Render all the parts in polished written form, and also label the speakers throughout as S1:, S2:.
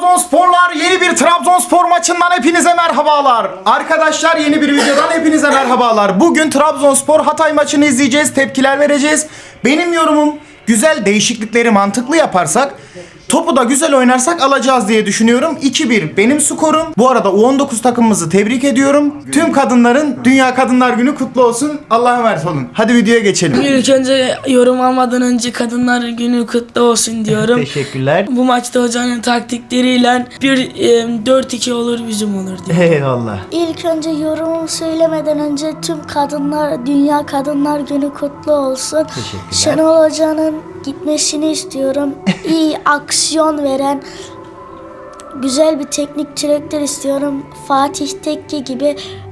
S1: Trabzonsporlar, yeni bir Trabzonspor maçından hepinize merhabalar. Arkadaşlar, yeni bir videodan hepinize merhabalar. Bugün Trabzonspor Hatay maçını izleyeceğiz, tepkiler vereceğiz. Benim yorumum, güzel değişiklikleri mantıklı yaparsak, topu da güzel oynarsak alacağız diye düşünüyorum. 2-1 benim skorum. Bu arada U19 takımımızı tebrik ediyorum. Tüm kadınların Dünya Kadınlar Günü kutlu olsun. Allah'a emanet olun. Hadi videoya geçelim.
S2: İlk önce yorum almadan önce Kadınlar Günü kutlu olsun diyorum.
S1: Teşekkürler.
S2: Bu maçta hocanın taktikleriyle 4-2 olur, bizim olur diyor.
S1: Eyvallah.
S3: İlk önce yorumumu söylemeden önce tüm kadınlar, Dünya Kadınlar Günü kutlu olsun.
S1: Teşekkürler.
S3: Şenol Hoca'nın gitmesini istiyorum. İyi aksiyon veren, güzel bir teknik direktör istiyorum. Fatih Tekke gibi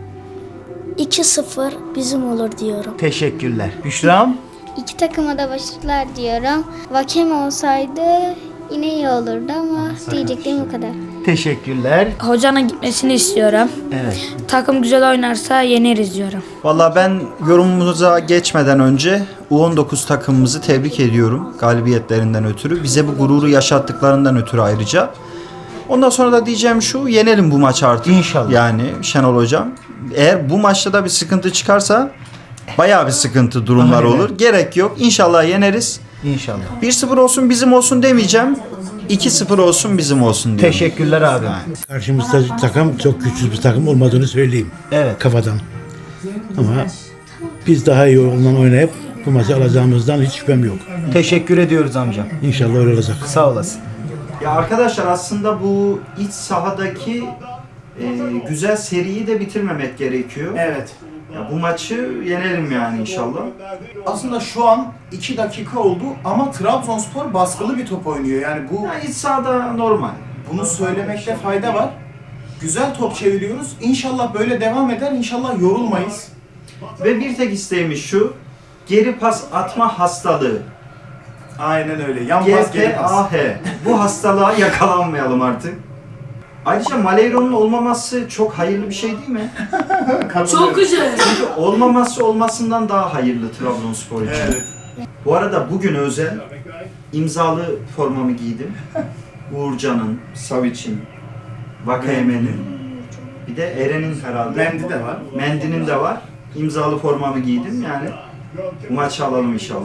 S3: 2-0 bizim olur diyorum.
S1: Teşekkürler. Büşra'm?
S4: İki takıma da başarılar diyorum. Vakeme olsaydı yine iyi olurdu ama diyeceklerim bu kadar.
S1: Teşekkürler.
S5: Hocanın gitmesini istiyorum.
S1: Evet.
S5: Takım güzel oynarsa yeneriz diyorum.
S6: Valla ben yorumumuza geçmeden önce U19 takımımızı tebrik ediyorum galibiyetlerinden ötürü. Bize bu gururu yaşattıklarından ötürü ayrıca. Ondan sonra da diyeceğim şu, yenelim bu maçı artık.
S1: İnşallah.
S6: Yani Şenol Hocam. Eğer bu maçta da bir sıkıntı çıkarsa bayağı bir sıkıntı durumlar
S1: Aynen.
S6: olur. Gerek yok. İnşallah yeneriz.
S1: İnşallah.
S6: 1-0 olsun bizim olsun demeyeceğim. 2-0 olsun bizim olsun diyorum.
S1: Teşekkürler abi.
S7: Karşımızda takım çok güçsüz bir takım olmadığını söyleyeyim
S1: Evet.
S7: kafadan. Ama biz daha iyi oyundan oynayıp bu maçı alacağımızdan hiç şüphem yok.
S1: Teşekkür ediyoruz amcam.
S7: İnşallah öyle olacak.
S1: Sağ olasın.
S6: Ya arkadaşlar aslında bu iç sahadaki güzel seriyi de bitirmemek gerekiyor.
S1: Evet.
S6: Ya bu maçı yenelim yani inşallah.
S1: Aslında şu an 2 dakika oldu ama Trabzonspor baskılı bir top oynuyor. Yani bu
S6: Ya iç sahada normal.
S1: bunu söylemekte fayda var. Güzel top çeviriyoruz. İnşallah böyle devam eder. İnşallah yorulmayız.
S6: Ve bir tek isteğimiz şu. Geri pas atma hastalığı.
S1: Aynen öyle. Yan pas geri pas.
S6: GPAH. Bu hastalığa yakalanmayalım artık. Ayrıca Maleyro'nun olmaması çok hayırlı bir şey değil mi?
S2: Çok güzel.
S6: Çünkü olmaması olmasından daha hayırlı Trabzonspor için.
S1: Evet.
S6: Bu arada bugün özel imzalı formamı giydim. Uğurcan'ın, Savic'in, Vakayemen'in, bir de Eren'in herhalde.
S1: Mendi de var.
S6: Mendi'nin de var. İmzalı formamı giydim yani. Bu maçı alalım inşallah.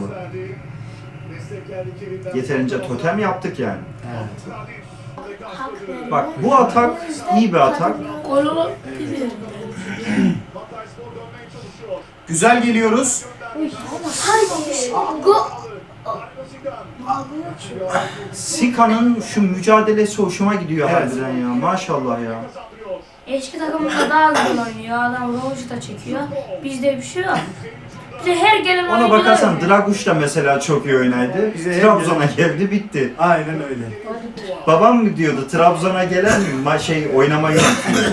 S6: Yeterince totem yaptık yani. Bak bu atak iyi bir atak.
S2: Gol olabilir.
S1: Güzel geliyoruz.
S6: Sika'nın şu mücadelesi hoşuma gidiyor
S1: Evet.
S6: harbiden ya. Maşallah ya.
S5: Eski takımımızda daha güzel oynuyor. Adam rovucu da çekiyor. Bizde bir şey yok. Bize her gelen
S6: Ona
S5: oyuncular
S6: bakarsan
S5: oynuyor.
S6: Draguş da mesela çok iyi oynaydı.
S1: Bize
S6: Trabzon'a geldi bitti.
S1: Aynen öyle.
S6: Babam mı diyordu Trabzon'a gelen mi oynamayı unutuyor.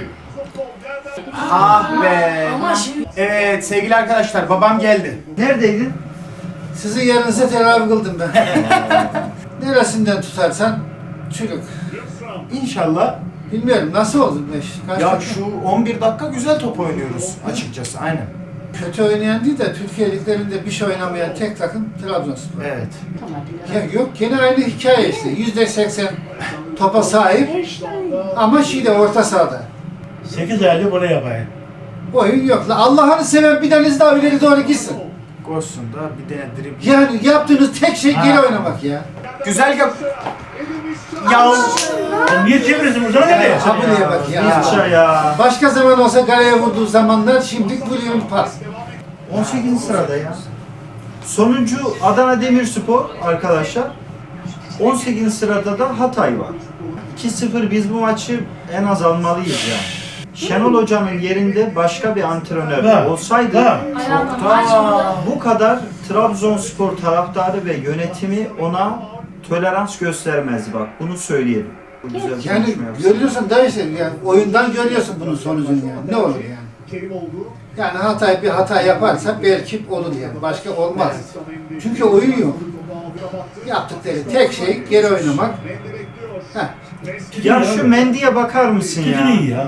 S1: Ah be.
S2: Ama şimdi
S1: Evet sevgili arkadaşlar, babam geldi.
S6: Neredeydin?
S8: Sizin yerinize tedavi kıldım ben. Neresinden tutarsan çürük.
S1: İnşallah.
S8: Bilmiyorum nasıl oldu beş. Kaç
S1: Ya
S8: dakika?
S1: şu 11 dakika güzel top oynuyoruz açıkçası. Aynen.
S8: Kötü oynayan değil de Türkiye liglerinde bir şey oynamayan tek takım Trabzonspor.
S1: Evet.
S8: Ya yok gene aynı hikaye işte. %80 topa sahip ama orta sahada.
S7: 8 aylık bunu yapayım.
S8: Oyun yok. La Allah'ını seven bir tanesi daha ileri doğru gitsin.
S1: Koşsun da bir tane dribble.
S8: Yani yaptığınız tek şey geri oynamak ya.
S1: Güzel yap. Ya
S7: Sen niye çeviriyorsun buradan nereye?
S8: Ha buraya bak ya.
S6: Bizca ya.
S8: Başka zaman olsa kaleye vurduğu zamanlar şimdi vuruyor pas.
S6: 18. sırada ya. Sonuncu Adana Demirspor arkadaşlar. 18. sırada da Hatay var. 2-0 biz bu maçı en az almalıyız yani. Şenol Hoca'nın yerinde başka bir antrenör
S7: Ha,
S6: olsaydı
S7: ha.
S6: bu kadar Trabzonspor taraftarı ve yönetimi ona tolerans göstermez bak. Bunu söyleyelim. Bu güzel
S8: Yani
S6: konuşma yapsın.
S8: görüyorsun da işte yani oyundan görüyorsun bunun sonucunu yani. Ne olur yani? Yani Hatay bir hata yaparsa belki olur yani. Başka olmaz. Çünkü oyun yok. Yaptıkları tek şey geri oynamak. Heh.
S6: Ya şu Mendy'ye bakar mısın
S7: Tütün iyi
S6: ya?
S7: ya.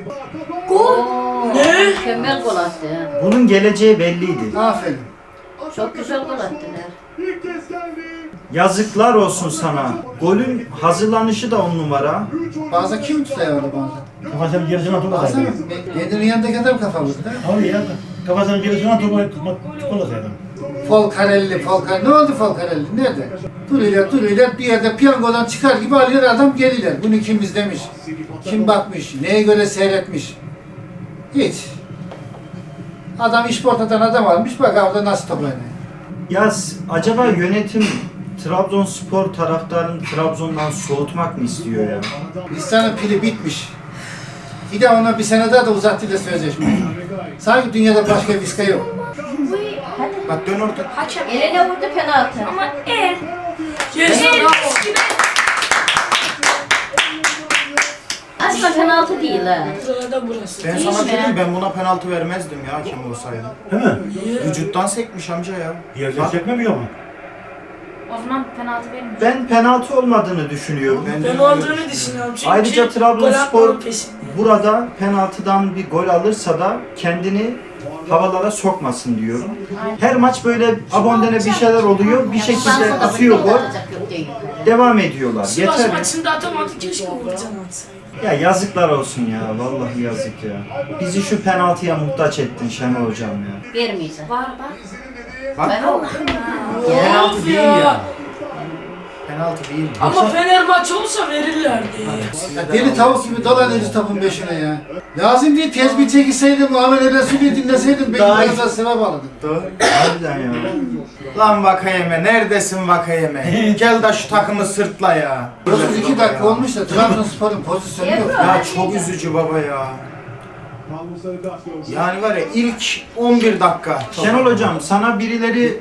S9: Mükemmel gol attı ya.
S6: Bunun geleceği belliydi.
S8: Aferin.
S9: Çok güzel gol attılar.
S6: Yazıklar olsun sana. Golün hazırlanışı da 10 numara.
S8: Bazen kim tutuyor bazen?
S7: Kafasının gerisine topu
S8: Bazen
S7: atıyor.
S8: kendinin yanındaki adam kafa vurdu.
S7: Abi ya kafasının gerisine topu atıyor.
S8: Folcarelli. Ne oldu Folcarelli? Nerede? Duruyorlar bir yerde piyangodan çıkar gibi alıyor adam geliyor. Bunu kim izlemiş? Kim bakmış? Neye göre seyretmiş? Hiç. Adam işportadan adam almış bak orada nasıl top oynuyor.
S6: Ya acaba yönetim Trabzonspor taraftarını Trabzon'dan soğutmak mı istiyor ya?
S8: Listanın pili bitmiş. Bir de ona bir sene daha da uzattıyla sözleşmeyi. Sanki dünyada başka viska yok.
S1: Bak dön orada.
S5: Hakem.
S9: Eline vurdu penaltı.
S5: Ama el.
S2: Yes.
S9: Aslında penaltı değil ha.
S2: Sırada burası.
S1: Ben sana söyleyeyim, ben buna penaltı vermezdim ya hakem olsaydı.
S7: Değil mi?
S1: Vücuttan sekmiş amca ya.
S7: Yerden çekmemiyor mu?
S5: O zaman penaltı vermiyor.
S6: Ben penaltı olmadığını düşünüyorum.
S2: Ben olduğunu düşünüyorum çünkü
S6: Ayrıca
S2: gol
S6: Trabzonspor
S2: atmanın peşinde.
S6: burada penaltıdan bir gol alırsa da kendini havalara sokmasın diyorum. Her maç böyle abondene bir şeyler oluyor. Bir şekilde atıyor gol. Devam ediyorlar.
S2: Sivas
S6: Yeter.
S2: maçında atamadı, keşke Uğurcan atsaydı.
S6: Ya yazıklar olsun ya. Vallahi yazık ya. Bizi şu penaltıya muhtaç ettin Şenol Hocam ya.
S9: Vermeyeceğim.
S5: Var bak.
S9: Ben o.
S2: Penaltı değil ya.
S1: Penaltı değil.
S2: Ama Fener maçı olsa verirlerdi.
S8: Ya deli tavuk gibi dolanıyoruz topun peşine ya. Lazım değil tezbih çekilseydin Muhammed El Resulü'yü dinleseydin belki
S1: Daha-
S8: biraz daha sıra bağladın.
S6: Harbiden ya.
S1: Lan Vakayeme, neredesin Vakayeme? Gel de şu takımı sırtla ya.
S8: 32 dakika olmuş da Trabzonspor'un pozisyonu yok.
S1: Ya çok üzücü baba ya. Yani var ya ilk 11 dakika.
S6: Şenol Hocam sana birileri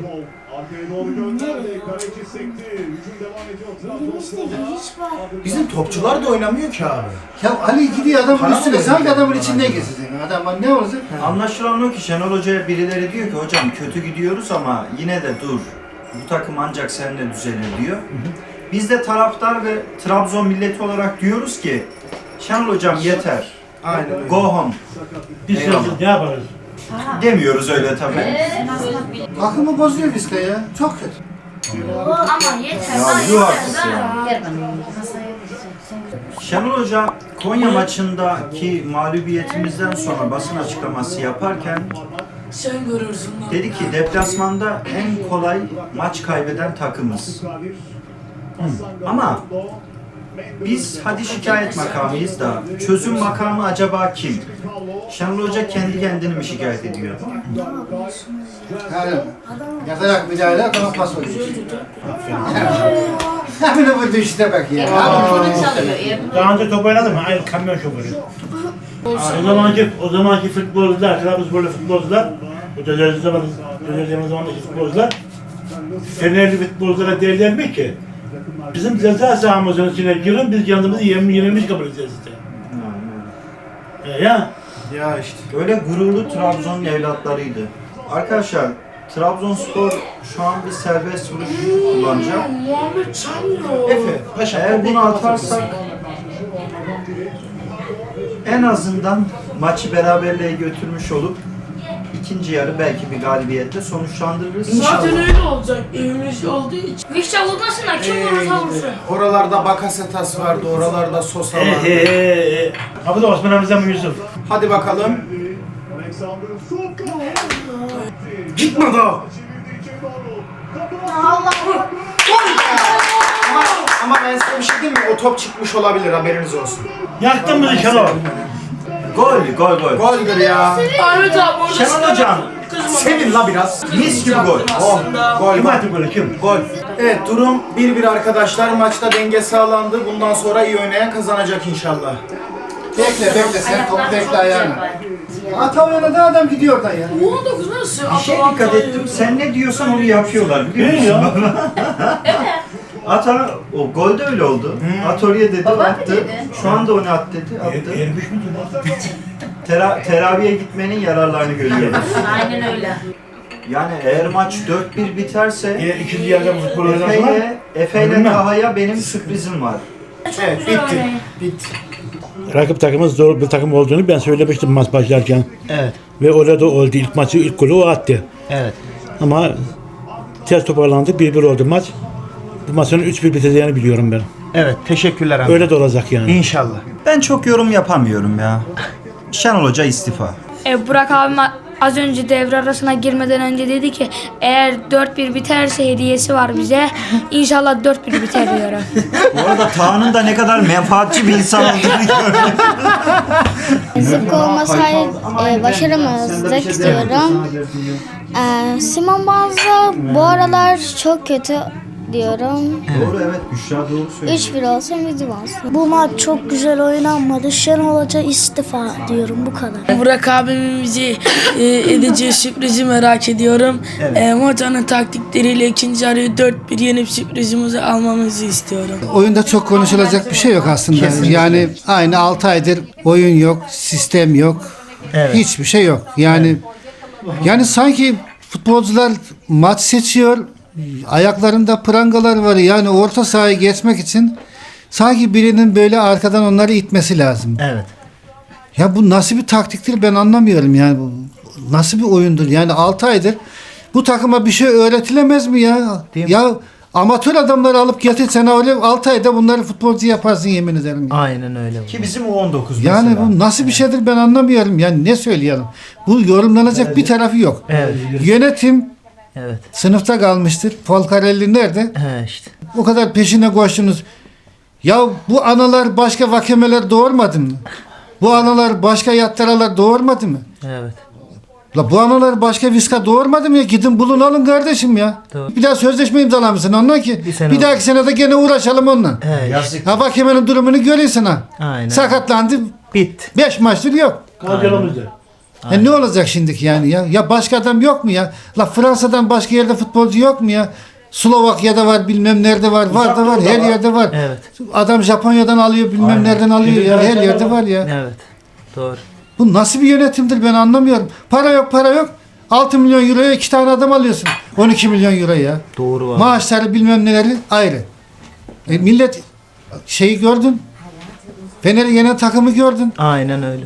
S1: Bizim topçular da oynamıyor ki abi.
S8: Ya Ali gidiyor adamın
S1: Para
S8: üstüne
S1: mı
S8: sanki
S1: veriyor?
S8: adamın içinde gezecek. Adam ne olacak?
S6: anlaşılan o ki Şenol Hoca'ya birileri diyor ki hocam kötü gidiyoruz ama yine de dur. Bu takım ancak seninle düzelir diyor. Biz de taraftar ve Trabzon milleti olarak diyoruz ki Şenol Hocam yeter.
S1: Aynen öyle.
S6: Go home.
S7: Biz
S6: Eyvallah.
S7: ne yaparız?
S6: Demiyoruz öyle tabii.
S8: Akımı bozuyor Vizca ya. Çok kötü.
S5: Ama yeter.
S6: Ya
S5: daha
S6: yuh
S5: yeter
S6: haklısın
S5: daha.
S6: ya.
S9: Ver bana.
S6: Şenol Hoca Konya maçındaki mağlubiyetimizden sonra basın açıklaması yaparken
S2: Sen görürsün lan.
S6: dedi ki deplasmanda en kolay maç kaybeden takımız. Ama biz hadi şikayet makamıyız da çözüm makamı acaba kim? Şenol Hoca kendi kendini mi şikayet ediyor?
S8: Yani yatarak müdahale adama pas oluyor. Hemen bu düşte bak ya.
S9: Bunu çalıyor.
S7: Daha önce top oynadım mı? Aynı kamyon şoförü. O zamanki futbolcular, Trabzonsporlu futbolcular, o dönemde zamandaki futbolcular, Fenerli futbolculara derler ki, bizim ceza sahamızın içine girin, biz kendimizi yenilmiş kabul edeceğiz işte. Ya,
S1: Ya işte.
S6: Öyle gururlu Trabzon'un evlatlarıydı. Arkadaşlar Trabzonspor şu an bir serbest vuruş kullanacak.
S2: Muhammed çalmıyor.
S1: Efe, paşa.
S6: Eğer bunu atarsak en azından maçı beraberliğe götürmüş olup ikinci yarı belki bir galibiyetle sonuçlandırırız.
S2: Zaten öyle olacak. Evimiz olduğu için.
S5: Vişça vurmasın da kim vurursa vursun.
S1: Oralarda Bakasetas vardı, oralarda Sosa vardı.
S7: Abi de Osman Hamza mı Yusuf?
S1: Hadi bakalım. Gitme daha. Ama ben size bir şey diyeyim mi? O top çıkmış olabilir, haberiniz olsun.
S7: Yaktın mı Şenol?
S6: Gol.
S1: Goldür ya.
S2: Ahmet abi orada
S6: Şenol Hocam,
S1: Sevin la biraz.
S6: mis gibi gol.
S2: aslında.
S1: Gol.
S7: Kim attı golü kim?
S1: Gol. Evet, durum 1-1 arkadaşlar. Maçta denge sağlandı. Bundan sonra iyi oynayan kazanacak inşallah.
S8: Bekle sen topu bekle ayağına. Ata oynadı adam gidiyor oradan ya.
S2: 19 nasıl?
S6: Bir şey dikkat ettim. Sen ne diyorsan onu yapıyorlar biliyor musun? Ata o gol de öyle oldu. At oraya dedi,
S9: Baba
S6: attı.
S9: dedi.
S6: Şu anda onu at dedi, attı.
S7: Ermiş mi
S6: Teraviye gitmenin yararlarını görüyoruz.
S9: Aynen öyle.
S6: Yani eğer maç 4-1 biterse
S7: İkinci yarıda bu futbol oynasınlar.
S6: Efe ile
S7: Bilmem.
S6: Taha'ya benim sürprizim var.
S1: Evet, bitti. Bitti.
S7: Rakip takımımız zor bir takım olduğunu ben söylemiştim maç başlarken.
S1: Evet.
S7: Ve orada oldu ilk maçı, ilk golü o attı.
S1: Evet.
S7: Ama ters toparlandık, 1-1 oldu maç. Bu maçın 3-1 biteceğini biliyorum ben.
S1: Evet, teşekkürler abi.
S7: Öyle de olacak yani.
S1: İnşallah.
S6: Ben çok yorum yapamıyorum ya. Şenol Hoca istifa.
S5: Burak abim az önce devre arasına girmeden önce dedi ki eğer 4-1 biterse hediyesi var bize. İnşallah 4-1 biter diyorum.
S6: Bu arada Taha'nın da ne kadar menfaatçi bir insan olduğunu gördüm.
S4: Zıpkı olmasaydı başaramazdık diyorum. Simon Banza bu aralar çok kötü diyorum.
S6: Doğru evet Büşra doğru söylüyor.
S4: 3-1 olsa bizim olsun.
S3: Bu maç çok güzel oynanmadı. Şenol Hoca istifa diyorum, bu kadar.
S2: Burak abimin bize edeceği sürprizi merak ediyorum. Hocanın taktikleriyle ikinci yarıyı 4-1 yenip sürprizimizi almamızı istiyorum.
S8: Oyunda çok konuşulacak bir şey yok aslında. Yani aynı 6 aydır oyun yok, sistem yok.
S1: Evet.
S8: Hiçbir şey yok. Yani sanki futbolcular maç seçiyor. Ayaklarında prangalar var. Yani orta sahayı geçmek için sanki birinin böyle arkadan onları itmesi lazım.
S1: Evet.
S8: Ya bu nasıl bir taktiktir ben anlamıyorum yani. Bu nasıl bir oyundur? Yani 6 aydır bu takıma bir şey öğretilemez mi ya?
S1: Değil mi?
S8: Ya amatör adamları alıp getirsen öyle 6 ayda bunları futbolcu yaparsın yemin ederim. Ya.
S1: Aynen öyle. Ki bizim U19
S8: Yani
S1: mesela.
S8: bu nasıl bir şeydir ben anlamıyorum. Yani ne söyleyelim? Bu yorumlanacak bir tarafı yok.
S1: Evet.
S8: Yönetim
S1: Evet.
S8: sınıfta kalmıştır. Polkarelli nerede?
S1: He işte.
S8: O kadar peşine koştunuz. Ya bu analar başka vakemeler doğurmadı mı? Bu analar başka yattaralar doğurmadı mı?
S1: Evet.
S8: La bu analar başka viska doğurmadı mı ya? Gidin bulun alın kardeşim ya.
S1: Doğru.
S8: Bir daha sözleşme imzalamışsın ondan ki.
S1: Bir sene
S8: Bir dahaki senede gene uğraşalım onunla.
S1: He işte.
S8: Ha vakemenin durumunu görüyorsun ha.
S1: Aynen.
S8: Sakatlandı.
S1: Bitti.
S8: 5 maçtır yok.
S7: Kalacağımızda.
S8: Ne olacak şimdiki yani ya? Ya başka adam yok mu ya? La Fransa'dan başka yerde futbolcu yok mu ya? Slovakya'da var bilmem nerede var. Var da var. Her yerde var.
S1: Evet.
S8: Adam Japonya'dan alıyor bilmem nereden alıyor ya. Her yerde var ya.
S1: Evet. Doğru.
S8: Bu nasıl bir yönetimdir ben anlamıyorum. Para yok para yok. 6 milyon euroya 2 tane adam alıyorsun. 12 milyon euro ya.
S1: Doğru var.
S8: Maaşları bilmem neleri ayrı. Millet şeyi gördün. Fener'i yenen takımı gördün.
S1: Aynen öyle.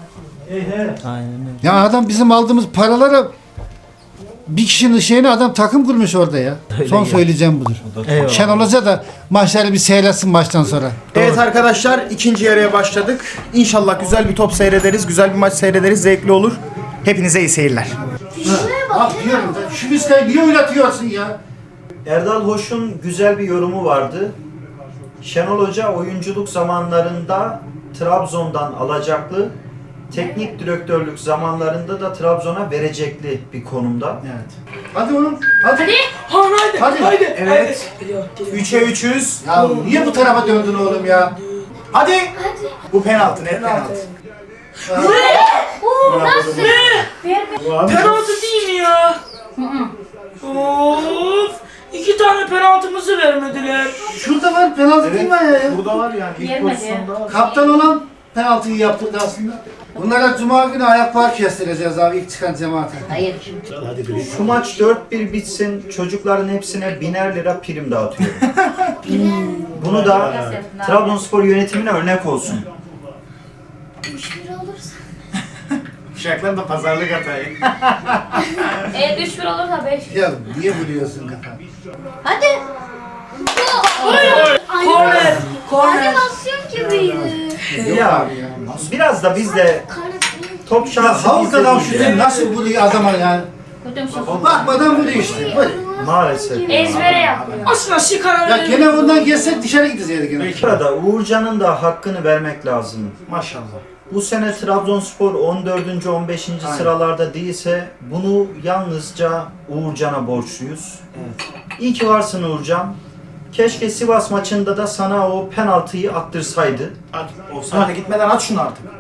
S1: Aynen öyle.
S8: Ya adam bizim aldığımız paralara bir kişinin şeyine adam takım kurmuş orada ya.
S1: Öyle
S8: Son
S1: ya.
S8: söyleyeceğim budur.
S1: Eyvallah.
S8: Şenol Hoca da maçları bir seyretsin maçtan sonra.
S1: Evet arkadaşlar ikinci yarıya başladık. İnşallah güzel bir top seyrederiz. Güzel bir maç seyrederiz. Zevkli olur. Hepinize iyi seyirler.
S8: Bak diyorum şu viskayı niye oynatıyorsun ya?
S6: Erdal Hoş'un güzel bir yorumu vardı. Şenol Hoca oyunculuk zamanlarında Trabzon'dan alacaklı, teknik direktörlük zamanlarında da Trabzon'a verecekli bir konumda.
S8: Evet. Hadi oğlum. Hadi.
S2: Haydi.
S1: Evet. 3'e 300.
S8: Ya niye bu tarafa döndün oğlum ya?
S1: Hadi. Bu penaltı. Net penaltı.
S2: Penaltı değil mi ya? Of! 2 tane penaltımızı vermediler.
S8: Şurada var penaltı değil mi ya?
S1: Burada var yani. İlk
S9: Vermedi.
S1: pozisyonda var.
S8: Kaptan olan penaltıyı yaptırdı aslında. Bunlara cuma günü ayak park kestireceğiz abi ilk çıkan cemaate.
S9: Hayır.
S6: Şu maç 4-1 bitsin, çocukların hepsine 1000'er lira prim dağıtıyorum. Bunu da Trabzonspor yönetimine örnek olsun.
S4: 3-1 olursa.
S1: Uşaklar da pazarlık hatayı.
S5: Eğer 3-1 olursa 5.
S8: Ya niye vuruyorsun kafa?
S4: Hadi.
S2: Korner. Korner.
S4: Animasyon gibiydi.
S6: Ya biraz da biz de top
S8: Ya
S6: şansı
S8: havuz adam
S6: bizde
S8: şu
S6: değil ya.
S8: nasıl vuruyor adama yani?
S9: Kötü şey.
S8: Bakmadan vuruyor işte. Vur.
S6: Maalesef.
S5: Ezbere yapıyor.
S2: Aslında şikara
S8: Ya gene ondan geçsek dışarı gideceğiz gene.
S6: Bu arada Uğurcan'ın da hakkını vermek lazım.
S1: Maşallah.
S6: Bu sene Trabzonspor 14. 15. sıralarda değilse bunu yalnızca Uğurcan'a borçluyuz. İyi ki varsın Uğurcan. Keşke Sivas maçında da sana o penaltıyı attırsaydı.
S1: At. Offside'e gitmeden at şunu artık.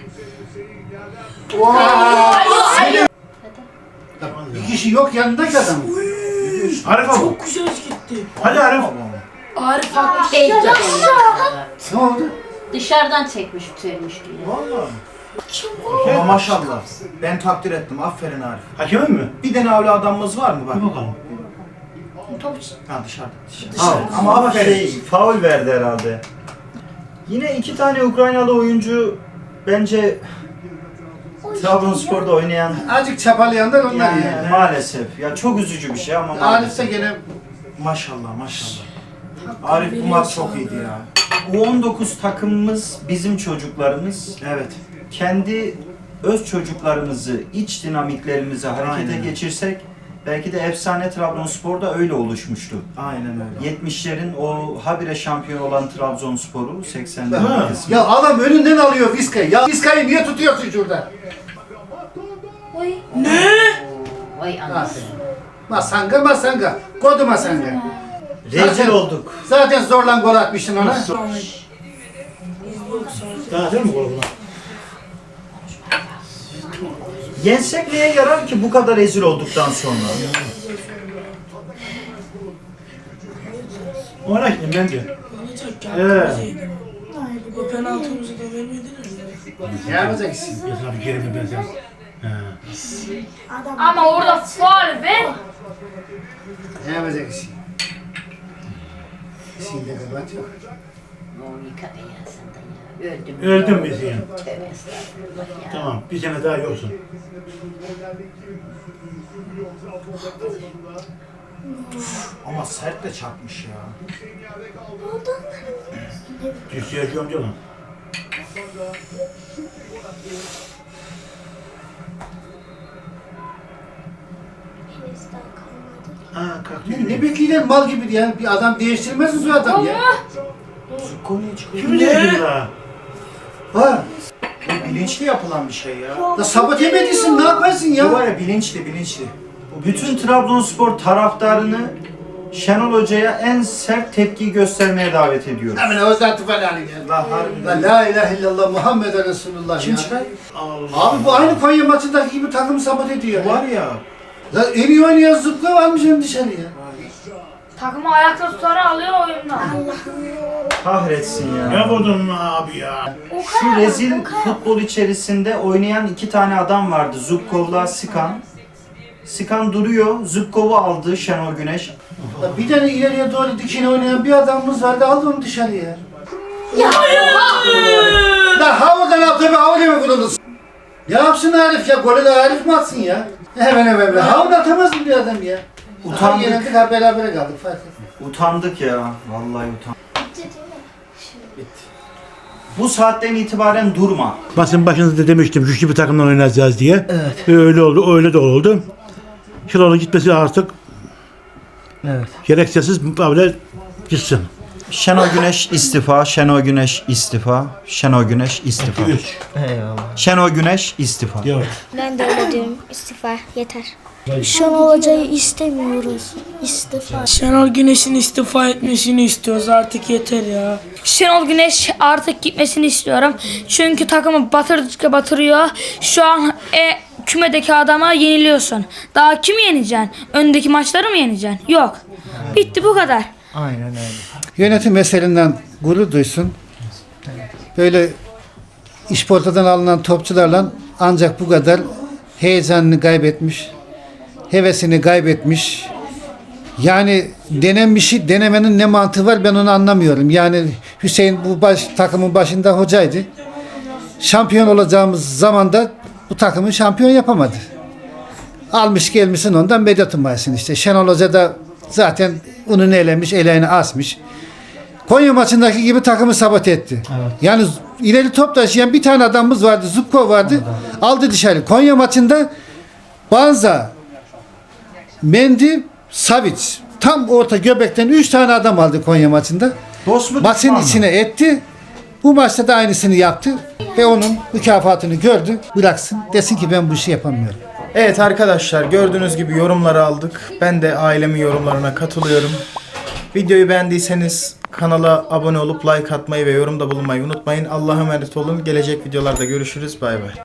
S8: Bir kişi yok yanındaki adam.
S7: Arif abi.
S2: Çok güzel gitti.
S7: Hadi Arif.
S2: Arif haklı.
S8: Ne oldu?
S9: Dışarıdan çekmiş, tüyelmiş gibi.
S1: Ama maşallah. Ben takdir ettim. Aferin Arif.
S7: Hakemin mi?
S1: Bir tane öyle adamımız var mı bak?
S7: Bir bakalım.
S1: Ha dışarıda.
S6: Ama aferin. Faul verdi herhalde. Yine 2 tane Ukraynalı oyuncu bence Trabzonspor'da oynayan
S8: Azıcık çapalayanlar onlar yani.
S6: maalesef. Ya çok üzücü bir şey ama
S8: Arif
S6: maalesef.
S8: de gene
S1: Maşallah maşallah.
S6: Arif bu maç çok iyiydi ya. U19 takımımız bizim çocuklarımız.
S1: Evet.
S6: Kendi öz çocuklarımızı, iç dinamiklerimizi harekete
S1: Aynen.
S6: geçirsek belki de efsane Trabzonspor da öyle oluşmuştu.
S1: Aynen öyle.
S6: 70'lerin o habire şampiyon olan Trabzonspor'u 80'lerin
S7: Ha.
S6: kısmı.
S8: Ya adam önünden alıyor Vizca'yı. Ya Vizca'yı niye tutuyorsun şurada?
S9: Vay anasını.
S8: Masanga. Kodu masanga.
S6: Rezil olduk.
S8: Zaten zorla gol atmışsın ona.
S7: Daha değil mi gol buna?
S6: Yensek neye yarar ki bu kadar rezil olduktan sonra?
S7: Ona gittim ben de.
S2: Bu penaltımızı da vermediler.
S8: Ne yapacaksın?
S7: Ya sana bir kere mi ben sen? He.
S5: Ama orada faul ver.
S8: Ne yapacaksın? Şimdi kapat yok.
S9: Monika beyazından ya. Öldüm.
S7: Öldüm biz yani.
S9: Tövbe estağfurullah ya.
S7: Tamam bir sene daha yoksun.
S1: Ama sert de çarpmış ya.
S7: Düştü yaşıyorum diyor lan. Ha kalktı.
S8: Ne bekliyorsun mal gibi ya? Bir adam değiştirmez mi bu adam ya?
S1: Konuya çıkıyor.
S7: Kim ne? Daha?
S8: Ha,
S1: Bu bilinçli yapılan bir şey ya.
S8: da sabot yemediysin ne yaparsın
S1: Bu
S8: ya?
S1: var ya bilinçli.
S6: Bütün Trabzonspor taraftarını Şenol Hoca'ya en sert tepkiyi göstermeye davet ediyoruz.
S8: Hemen özenti falan ya.
S1: La harbiden.
S8: La ilahe illallah Muhammed Resulullah
S1: Kim
S8: ya.
S1: çıkar?
S8: Abi bu aynı Konya maçındaki gibi takımı sabot ediyor.
S1: Var ya.
S8: Ya en iyi oynayan zıpla varmış hem dışarıya.
S5: Takımı ayakta tutarak alıyor oyundan.
S6: Kahretsin
S7: Ne
S6: ya.
S7: vurdun abi ya?
S6: Şu rezil futbol içerisinde oynayan iki tane adam vardı. Zubkov'la Sikan. Sikan duruyor. Zubkov'u aldı Şenol Güneş.
S8: Ya bir tane ileriye doğru dikine oynayan bir adamımız vardı aldı onu dışarıya. La havadan al tabi havaya mı vurulur? Ne yapsın Arif ya? Golü de Arif mi atsın ya? Hemen. Havada atamaz mı bir adam ya?
S6: Utandık.
S8: Yenildik ha beraber kaldık fark etmez.
S6: Utandık ya. Vallahi utandık. Bu saatten itibaren durma.
S7: Basın başınızda demiştim güçlü bir takımdan oynayacağız diye. Evet. Öyle oldu, öyle de oldu. Şenol'un gitmesi artık gereksiz böyle gitsin.
S6: Şenol Güneş istifa, Şenol Güneş istifa, Şenol Güneş istifa.
S7: 3
S6: Şenol Güneş istifa.
S7: diyor.
S3: Ben de öyle diyorum. İstifa yeter. Şenol Hoca'yı istemiyoruz. İstifa.
S2: Şenol Güneş'in istifa etmesini istiyoruz artık yeter ya.
S5: Şenol Güneş artık gitmesini istiyorum. Çünkü takımı batırdıkça batırıyor. Şu an kümedeki adama yeniliyorsun. Daha kimi yeneceksin? Öndeki maçları mı yeneceksin? Yok. Bitti bu kadar.
S1: Aynen öyle.
S8: Yönetim meselinden gurur duysun. Böyle işportadan alınan topçularla ancak bu kadar heyecanını kaybetmiş, hevesini kaybetmiş. Yani denenmişi denemenin ne mantığı var ben onu anlamıyorum. Yani Hüseyin bu takımın başında hocaydı. Şampiyon olacağımız zamanda bu takımı şampiyon yapamadı. Almış gelmişsin ondan medet umarsın işte. Şenol Hoca da zaten ununu elemiş, eleğini asmış. Konya maçındaki gibi takımı sabote etti. Evet. Yani ileri top taşıyan bir tane adamımız vardı, Zubko vardı. Aldı dışarı. Konya maçında Banza, Mendy, Savic. Tam orta göbekten 3 tane adam aldı Konya maçında.
S6: Dost mu,
S8: Maçın
S6: düşman mı?
S8: içine etti. Bu maçta da aynısını yaptı. Ve onun mükafatını gördü. Bıraksın. Desin ki ben bu işi yapamıyorum.
S1: Evet arkadaşlar gördüğünüz gibi yorumları aldık. Ben de ailemin yorumlarına katılıyorum. Videoyu beğendiyseniz kanala abone olup like atmayı ve yorumda bulunmayı unutmayın. Allah'a emanet olun. Gelecek videolarda görüşürüz. Bay bay.